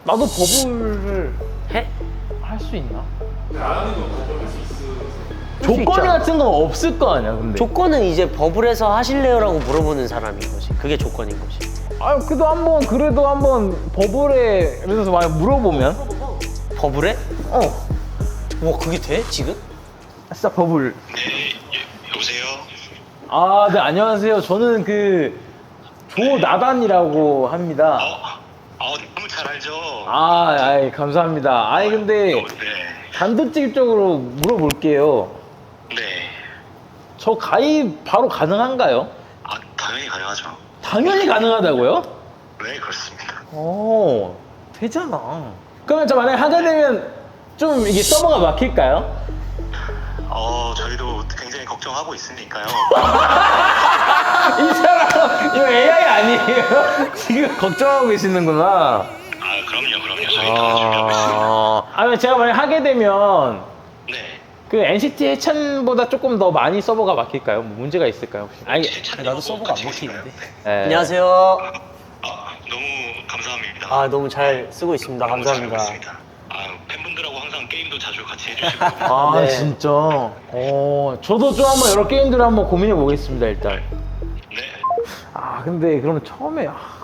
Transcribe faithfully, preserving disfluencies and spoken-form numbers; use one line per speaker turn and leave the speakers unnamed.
나도 버블을
해?
할 수 있나?
수
조건이
있잖아.
같은 건 없을 거 아니야, 근데.
조건은 이제 버블에서 하실래요라고 물어보는 사람인 거지. 그게 조건인 거지.
아, 그래도 한번 그래도 한번 버블에 예를 들어서 만약 물어보면
버블에?
어,
와 그게 돼? 지금?
진짜 버블.
네, 여보세요?
아, 네, 안녕하세요. 저는 그 조나단이라고 합니다.
어? 어, 너무 잘 알죠?
아, 아이, 감사합니다. 아니, 근데
어, 네.
단도직입적으로 물어볼게요.
네.
저 가입 바로 가능한가요?
아, 당연히 가능하죠.
당연히 가능하다고요?
네, 그렇습니다.
오, 되잖아. 그러면 저 만약에 하게 되면 좀 이게 서버가 막힐까요?
어, 저희도 굉장히 걱정하고 있으니까요.
이 사람, 이거 에이아이 아니에요? 지금 걱정하고 계시는구나.
아, 그럼요, 그럼요. 저희 다 준비하고 있습니다.
아, 아니, 제가 만약에 하게 되면
네.
그 엔시티 해찬보다 조금 더 많이 서버가 막힐까요? 뭐 문제가 있을까요? 혹시? 아니,
나도 서버가 안 먹히는데.
네.
안녕하세요.
아, 너무 감사합니다.
아 너무 잘 쓰고 있습니다.
너무 잘
감사합니다.
알고 있습니다. 아, 팬분들하고 항상 게임도 자주 같이 해주시고.
아,
네.
진짜. 어, 저도 좀 한번 여러 게임들을 한번 고민해 보겠습니다, 일단.
네.
아, 근데 그러면 처음에 아,